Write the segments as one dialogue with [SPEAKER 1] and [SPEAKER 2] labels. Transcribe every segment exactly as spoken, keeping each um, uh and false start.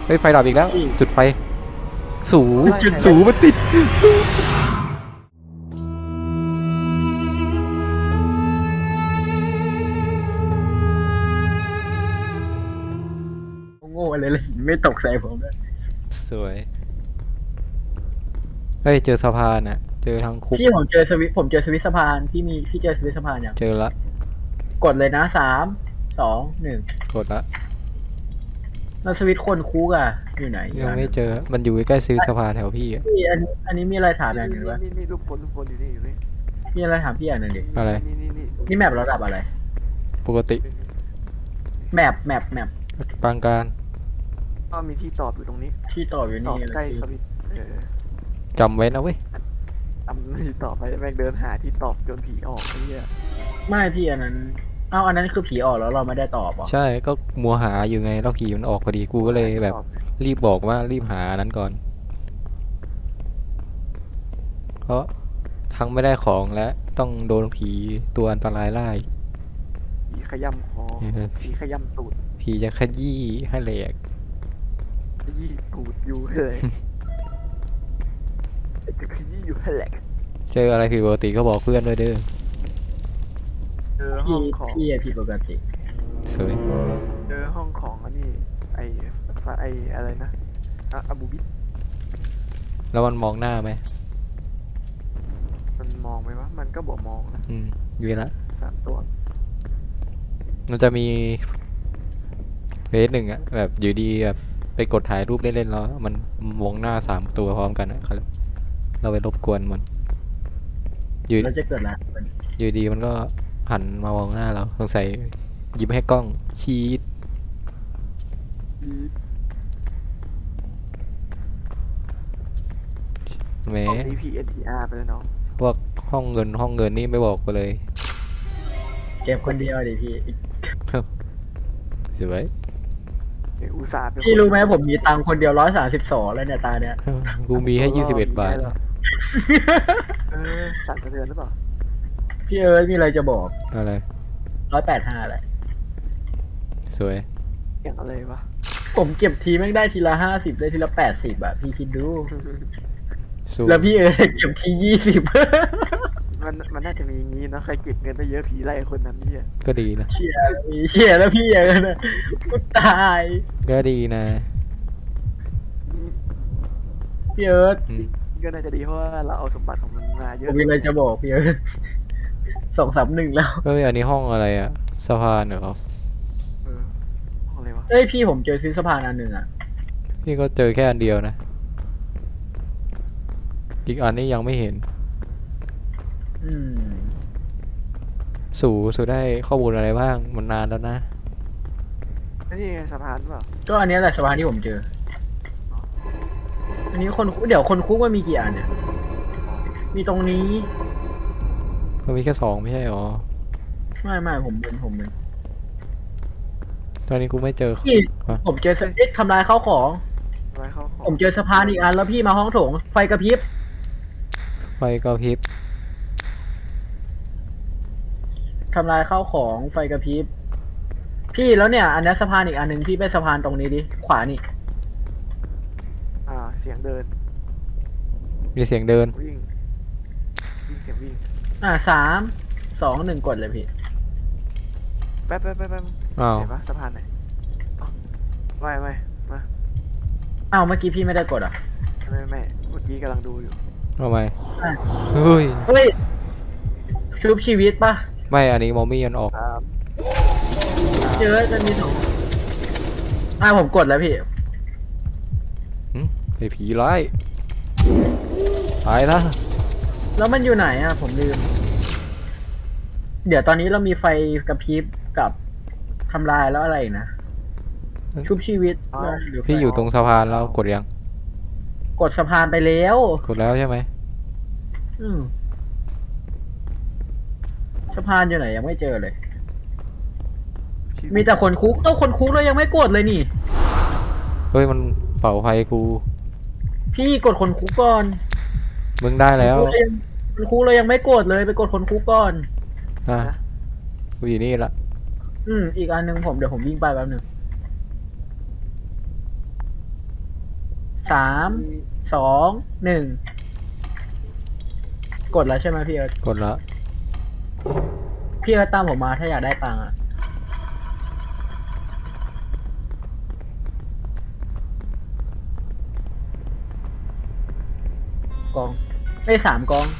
[SPEAKER 1] เฮ้ยไฟดับอีกแล้วจุดไฟสูสูมันติด
[SPEAKER 2] โง่เลยเลยไม่ตกใส่ผมเลย
[SPEAKER 1] สวยเฮ้ยเจอสะพานอ่ะเจอทางคุก
[SPEAKER 2] พี่ผมเจอสวิตผมเจอสวิตสะพานพี่มีพี่เจอสวิตสะพานยัง
[SPEAKER 1] เจอละ
[SPEAKER 2] กดเลยนะสามสองหนึ่ง
[SPEAKER 1] กดละ
[SPEAKER 2] แล้วสวิตคนคุกอ่ะอยู่ไหน
[SPEAKER 1] ยังไม่เจอมันอยู่ใกล้ซื้อสะพานแถวพี่อ่ะ
[SPEAKER 2] พี่อันอันนี้มีอะไรถามอย่างหนึ่งวะ
[SPEAKER 3] นี่นี่ลูกคนลูกคนอยู่นี่อยู่นี่
[SPEAKER 2] มีอะไรถามพี่อย่างหนึ่งดิ
[SPEAKER 1] อะไร
[SPEAKER 3] นี่นี่นี่
[SPEAKER 2] นี่แมประดับอะไร
[SPEAKER 1] ปกติ
[SPEAKER 2] แมปแมปแมป
[SPEAKER 1] ปางการ
[SPEAKER 3] ก็มีที่ตอบอยู่ตรงนี้
[SPEAKER 2] ที่ต่ออยู่
[SPEAKER 3] ตอ
[SPEAKER 2] นี่
[SPEAKER 3] บใกล้สวิตเออ
[SPEAKER 1] จำไว้นะเว้ย
[SPEAKER 3] ทำที่ตอบไปแม่งเดินหาที่ตอบจนผีออกไอ้เหี้ย
[SPEAKER 2] ไม่พี่อันนั้นเอ้าอันนั้นคือผีออกแล้วเราไม่ได้ตอบอ่ะ
[SPEAKER 1] ใช่ก็มัวหาอยู่ไงแล้วผีมันออกพอดีกูก็เลยแบบรีบบอกว่ารีบหานั้นก่อนเพราะทั้งไม่ได้ของและต้องโดนผีตัวอันตรายไล่
[SPEAKER 3] ผีขย้ำคอผีขย้ำตูด
[SPEAKER 1] ผีจะขยี้ให้แหลก
[SPEAKER 3] ขยี้ตูดอยู่เลยจะขยี้อยู่ให้แหลก
[SPEAKER 1] เจออะไรผิดปกติก็บอกเพื่อนด้วยเด้อ
[SPEAKER 3] เจอห้องของ
[SPEAKER 2] พี่ผิดปกติ
[SPEAKER 1] สวย
[SPEAKER 3] เจอห้องของอันนี้ไอไออะไรนะอะบูบิ
[SPEAKER 1] แล้วมันมองหน้าไหม
[SPEAKER 3] มันมองไหมวะมันก็บอกมองนะ
[SPEAKER 1] อืมอยู่ละ
[SPEAKER 3] สามตัว
[SPEAKER 1] มันจะมีเฟสหนึ่งอะแบบอยู่ดีแบบไปกดถ่ายรูปเล่นๆแล้วมันมองหน้าสามตัวพร้อมกันอะเราไปรบกวนมันอยู่
[SPEAKER 2] แล้วจะเกิดอะไร
[SPEAKER 1] อยู่ดีมันก็หันมามองหน้าเราสงสัยยิ้มให้กล้องชีดแหม
[SPEAKER 3] ดี พี เอ็น ที อาร์ ไปแล้วน้อง
[SPEAKER 1] พวกห้องเงินห้องเงินนี่ไม่บอกไปเลย
[SPEAKER 2] เก็บคนเดียวดิพี่
[SPEAKER 1] สวย
[SPEAKER 3] อุตส่าห์
[SPEAKER 2] พี่รู้ไหมผมมีตังค์คนเดียวร้อยสามสิบสองแล้วเนี่ยตาเนี่ย
[SPEAKER 1] กูมีให้ยี่สิบเอ็ดบาท
[SPEAKER 3] เออสั่นสะเทือนหรือเปล่า
[SPEAKER 2] พี่เอิร์ธมีอะไรจะบอก
[SPEAKER 1] อะไร
[SPEAKER 2] ร้อยแปดห้าอะไร
[SPEAKER 1] สวย
[SPEAKER 3] อย่างอะไรวะ
[SPEAKER 2] ผมเก็บทีแม่งได้ทีละห้าสิบได้ทีละแปดสิบอะพี่คิดดูแล้วพี่เอิร์ธเก็บทียี่สิบ
[SPEAKER 3] มันมันน่าจะมีงี้เนาะใครเก็บเงินได้เยอะผีไล่คนนั้นเนี่ย
[SPEAKER 1] ก็ดีนะ
[SPEAKER 2] เชี่ยมีเชี่ยแล้วพี่เอิร์ธนะกูตาย
[SPEAKER 1] ก็ดีนะ
[SPEAKER 2] พี่เอิร์ธ
[SPEAKER 3] ก็น่าจะดีเพราะว่าเราเอาสมบัติของมันมาเยอะ
[SPEAKER 2] ผมมีอะไรจะบอกพี่เอิร์ธสองสามหนึ่งแล้ว
[SPEAKER 1] เฮ้ยอันนี้ห้องอะไรอะสะพานเหรอ
[SPEAKER 3] เออห้องอะไรวะ
[SPEAKER 2] เฮ้ยพี่ผมเจอซื้อสะพานอันหนึ่งอะ
[SPEAKER 1] พี่ก็เจอแค่อันเดียวนะอีกอันนี้ยังไม่เห็น
[SPEAKER 2] อืม
[SPEAKER 1] สู่สู่ได้ข้อมูลอะไรบ้างมันนานแล้วนะ
[SPEAKER 3] นี่ไงสะพานเปล่า
[SPEAKER 2] ก็อันนี้แหละสะพานที่ผมเจออันนี้คนเดี๋ยวคนคุกมันมีกี่อันเนี่ยมีตรงนี้
[SPEAKER 1] มันมีแค่สองไม่ใช่หรอ
[SPEAKER 2] ไม่ไม่ผมเป็นผมเป็น
[SPEAKER 1] ตอนนี้กูไม่เจอ
[SPEAKER 2] ผมเจอสติ๊กทำลายข้าวของผมเจอสะพานอีกอันแล้วพี่มาห้องโถงไฟกระพริบ
[SPEAKER 1] ไฟกระพริบ
[SPEAKER 2] ทำลายข้าวของไฟกระพริบพี่แล้วเนี่ยอันนี้สะพานอีกอันหนึ่งพี่ไปสะพานตรงนี้ดิขวานี่
[SPEAKER 3] อ่าเสียงเดิน
[SPEAKER 1] มีเสียงเดิน
[SPEAKER 3] วิ่งวิ่งเสียงวิ่ง
[SPEAKER 2] อ่าสามสองหนึ่งกดเลยพี่
[SPEAKER 3] แป๊บแป๊บแป๊บแป๊บ
[SPEAKER 1] อ้าว
[SPEAKER 3] ไหนวะสะพานไหนไม่ไม่มา
[SPEAKER 2] อ้าวเมื่อกี้พี่ไม่ได้กดอ่ะ
[SPEAKER 3] ไม่ไม่เมื่อกี้กำลังดูอยู่
[SPEAKER 1] ทำไมเฮ้ย
[SPEAKER 2] เฮ้ยชุบชีวิตปะ
[SPEAKER 1] ไม่อันนี้มอมี่ยันออก
[SPEAKER 2] เยอะจะมีสองอ่าผมกดแล้วพี่
[SPEAKER 1] ไอ้ผีร้ายตายแล้ว
[SPEAKER 2] แล้วมันอยู่ไหนอ่ะผมลืมเดี๋ยวตอนนี้เรามีไฟกระพริบกับทำลายแล้วอะไรนะชุบชีวิต
[SPEAKER 1] พี่อยู่ตรงสะพานแล้วกดยัง
[SPEAKER 2] กดสะพานไปแล้ว
[SPEAKER 1] กดแล้วใช่ไหม
[SPEAKER 2] อืมสะพานอยู่ไหนยังไม่เจอเลยมีแต่คนคุกต้องคนคุกเรายังไม่กดเลยนี่
[SPEAKER 1] เฮ้ยมันเป่าไฟกู
[SPEAKER 2] พี่กดคนคุกก่อน
[SPEAKER 1] มึงได้แล้ว
[SPEAKER 2] คนคุกเรายังไม่กดเลยไปกดคนคุกก่อน
[SPEAKER 1] อ่ะกูอยู่นี่ละ
[SPEAKER 2] อืมอีกอันนึงผมเดี๋ยวผมวิ่งไปแป๊บนึงสามสองหนึ่งกดแล้วใช่ไหมพี่เอิร์ธ
[SPEAKER 1] กดละ
[SPEAKER 2] พี่เอิร์ธตามผมมาถ้าอยากได้ตังค์อะกองไม่สามกอง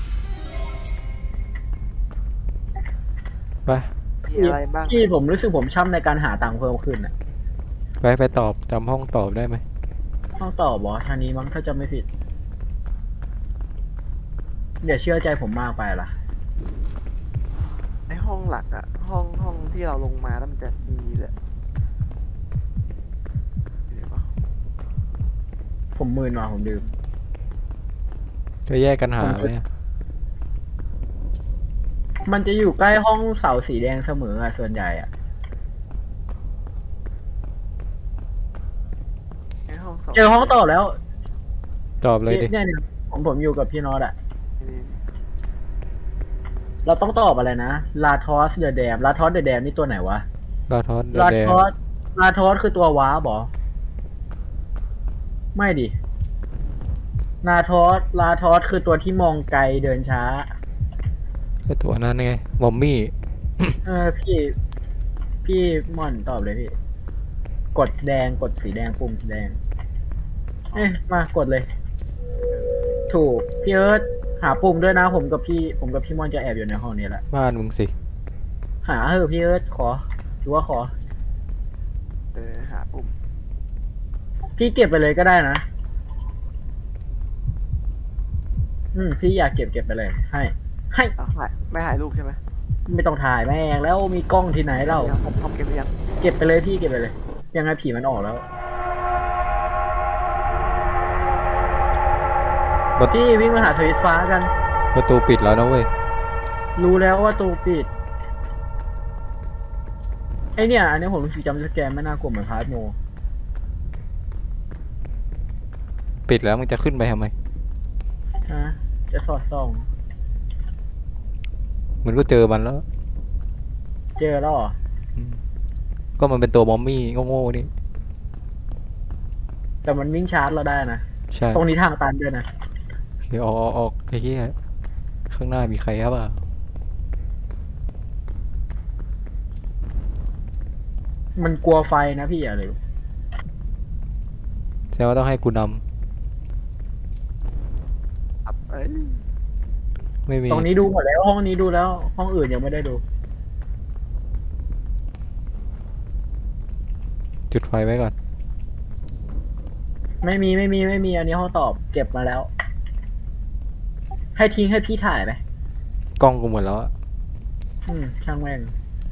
[SPEAKER 1] ไป
[SPEAKER 3] มีอะไรบ้าง
[SPEAKER 2] พี่ผมรู้สึกผมช่ำในการหาตังค์เพิ่มขึ้นอ่ะ
[SPEAKER 1] ไปไปตอบจำห้องตอบได้ไหม
[SPEAKER 2] ต้องตอบบอทางนี้มั้งถ้าจะไม่ผิดอย่าเชื่อใจผมมากไปล่ะ
[SPEAKER 3] ในห้องหลักอะห้องห้องที่เราลงมาแล้วมันจะมีแหละเห็นปะ
[SPEAKER 2] ผมมืนมาผมดื่ม
[SPEAKER 1] จะแยกกันหาไหมอะ
[SPEAKER 2] มันจะอยู่ใกล้ห้องเสาสีแดงเสมออะส่วนใหญ่อะ
[SPEAKER 3] ในห้องสอง
[SPEAKER 2] เจอห้องต่อแล้ว
[SPEAKER 1] ตอบเลยดิ
[SPEAKER 2] เนี่ยเนี่ยผมผมอยู่กับพี่น็อตอะ
[SPEAKER 3] นี่
[SPEAKER 2] เราต้องตอบอะไรนะลาทอสเดอะแดมลาทอสเดอะแดมนี่ตัวไหนวะ
[SPEAKER 1] ลาทอส
[SPEAKER 2] ลา
[SPEAKER 1] แดง
[SPEAKER 2] ทอสลาทอสคือตัวว้าบอไม่ดิลาทอสลาทอสคือตัวที่มองไกลเดินช้า
[SPEAKER 1] ไอตัวนั้นไงมอมมี่
[SPEAKER 2] เออพี่ พี่ม่อนตอบเลยพี่ กดแดงกดสีแดงปุ่มสีแดง เอ้ยมากดเลย ถูกพี่เอิร์ธหาปุ่มด้วยนะผมกับพี่ ผมกับพี่ม่อนจะแอบอยู่ในห้องนี้แหละ
[SPEAKER 1] บ้านมึงสิ
[SPEAKER 2] หาเถอะพี่เอิร์ธขอหรือว่าขอ
[SPEAKER 3] เออหาปุ่ม
[SPEAKER 2] พี่เก็บไปเลยก็ได้นะ อืมพี่อยากเก็บเก็บไปเลย ให้ ให้
[SPEAKER 3] เอาถ่ายไม่ถ่ายรูปใช่ไหม
[SPEAKER 2] ไม่ต้องถ่ายแม่งแล้วมีกล้องที่ไหนเล่า
[SPEAKER 3] ยังผมทำเก็บหรือยัง
[SPEAKER 2] เก็บไปเลยพี่เก็บไปเลย ยังไงผีมันออกแล้ว
[SPEAKER 1] ประ
[SPEAKER 2] พี่วิ่งมาหาสวิตช์ฟ้ากัน
[SPEAKER 1] ประตูปิดแล้วนะเว้ย
[SPEAKER 2] รู้แล้วว่าตูปิด ไอเนี่ย อันนี้ผมรู้สึกจำสแกนไม่น่ากลัวเหมือนพาร์ทโม
[SPEAKER 1] ปิดแล้วมึงจะขึ้นไปทำไม
[SPEAKER 2] ฮะ จะสอดส่อง
[SPEAKER 1] มึงก็เจอมันแล้ว
[SPEAKER 2] เจอแล้วเหรอ
[SPEAKER 1] อืมก็มันเป็นตัวมอมมี่โง่ๆนี่
[SPEAKER 2] แต่มันวิ่งชาร์จเราได้นะ
[SPEAKER 1] ใช่
[SPEAKER 2] ตรงนี้ทางตันด้วยนะ
[SPEAKER 1] เดี๋ยวออกออกออกไอ้เหี้ยข้างหน้ามีใครครับอ่ะ
[SPEAKER 2] มันกลัวไฟนะพี่อย่าเลย
[SPEAKER 1] แสดงว่าต้องให้กูน
[SPEAKER 3] อับเอ้ย
[SPEAKER 1] ำไม่มี
[SPEAKER 2] ตรงนี้ดูหมดแล้วห้องนี้ดูแล้ว ห้องอื่นยังไม่ได้ดู
[SPEAKER 1] จุดไฟไว้ก่อน
[SPEAKER 2] ไม่มีไม่มีไม่มีอันนี้ห้องตอบเก็บมาแล้ว ให้ทิ้งให้พี่ถ่ายไหม
[SPEAKER 1] กล้องกูหมดแล้วอะ
[SPEAKER 2] อืม ช่างแม่ง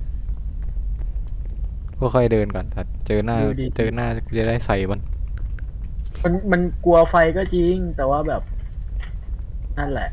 [SPEAKER 1] ก็ค่อยเดินก่อนแต่เจอหน้า
[SPEAKER 2] ดูดิ
[SPEAKER 1] เจอหน้ากูจะได้ใส่มัน
[SPEAKER 2] มันมันกลัวไฟก็จริง แต่ว่าแบบ นั่นแหละ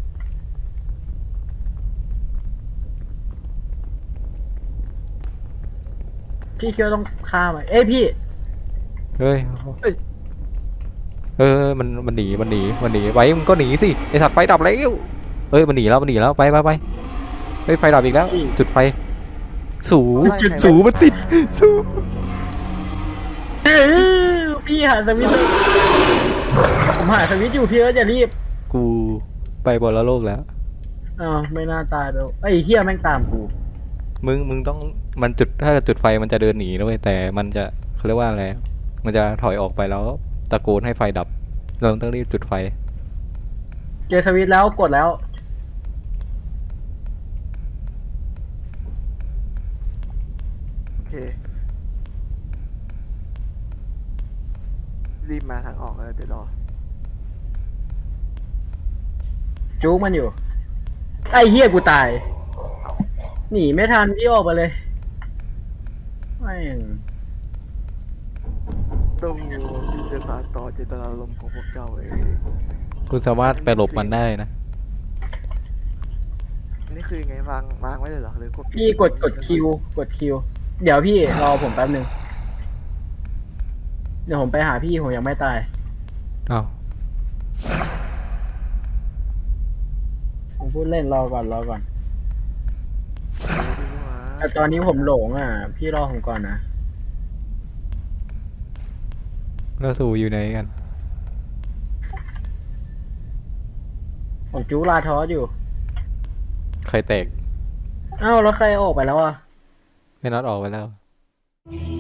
[SPEAKER 2] พี่คิดว่าต้องฆ่ามันเอ้ยพี่
[SPEAKER 1] เฮ้ย เออ มัน มันหนี มันหนี มันหนี ไปมึงก็หนีสิ ไอสัตว์ไฟดับแล้ว เอ้ย มันหนีแล้ว มันหนีแล้ว ไปไปไปเฮ้ยไฟดับอีกแล้ว
[SPEAKER 2] อีก
[SPEAKER 1] จุดไฟ สู
[SPEAKER 3] จุด
[SPEAKER 1] สูมันติด สู
[SPEAKER 2] เออพี่หาสวิตช์เลยผมหาสวิตช์อยู่พี่เอิร์ธอย่ารีบ
[SPEAKER 1] กูไปบนโลกแล้ว
[SPEAKER 2] อ้าวไม่น่าตายไปไอ้ยเฮียแม่งตามกู
[SPEAKER 1] มึง มึงต้อง มันจุด ถ้าจุดไฟมันจะเดินหนีนะเว้ย แต่มันจะเขาเรียกว่าอะไร มันจะถอยออกไปแล้วตะโกนให้ไฟดับ เราต้องรีบจุดไฟ
[SPEAKER 2] เจอสวิตช์แล้วกดแล้ว
[SPEAKER 3] โอเครีบมาทางออกเลยเดี๋ยวรอ
[SPEAKER 2] จู๊กมันอยู่ ไอ้เฮียกูตาย หนีไม่ทันพี่ออกไปเลยแม่ง
[SPEAKER 3] ต้องที่จะสานต่อเจตนารมณ์ของพวกเจ้าเอง
[SPEAKER 1] คุณสามารถไปหลบมันได้นะ
[SPEAKER 3] อันนี่คือยังไงวางวางไว้เลยเหรอหรือกด
[SPEAKER 2] พี่กดกดคิวกดคิว เดี๋ยวพี่รอผมแป๊บหนึ่งเดี๋ยวผมไปหาพี่ผมยังไม่ตาย
[SPEAKER 1] อ้าว
[SPEAKER 2] ผมพูดเล่นรอก่อนรอก่อน
[SPEAKER 3] ดูดิวะ
[SPEAKER 2] แต่ตอนนี้ผมหลงอ่ะ พี่รอผมก่อนนะ
[SPEAKER 1] แล้วสูอยู่ไหนกัน
[SPEAKER 2] ผมจูลาทอสอยู่
[SPEAKER 1] ใครแตก
[SPEAKER 2] อ้าวแล้วใครออกไปแล้วอ่ะ
[SPEAKER 1] ไม่น็อตออกไปแล้ว
[SPEAKER 4] Thank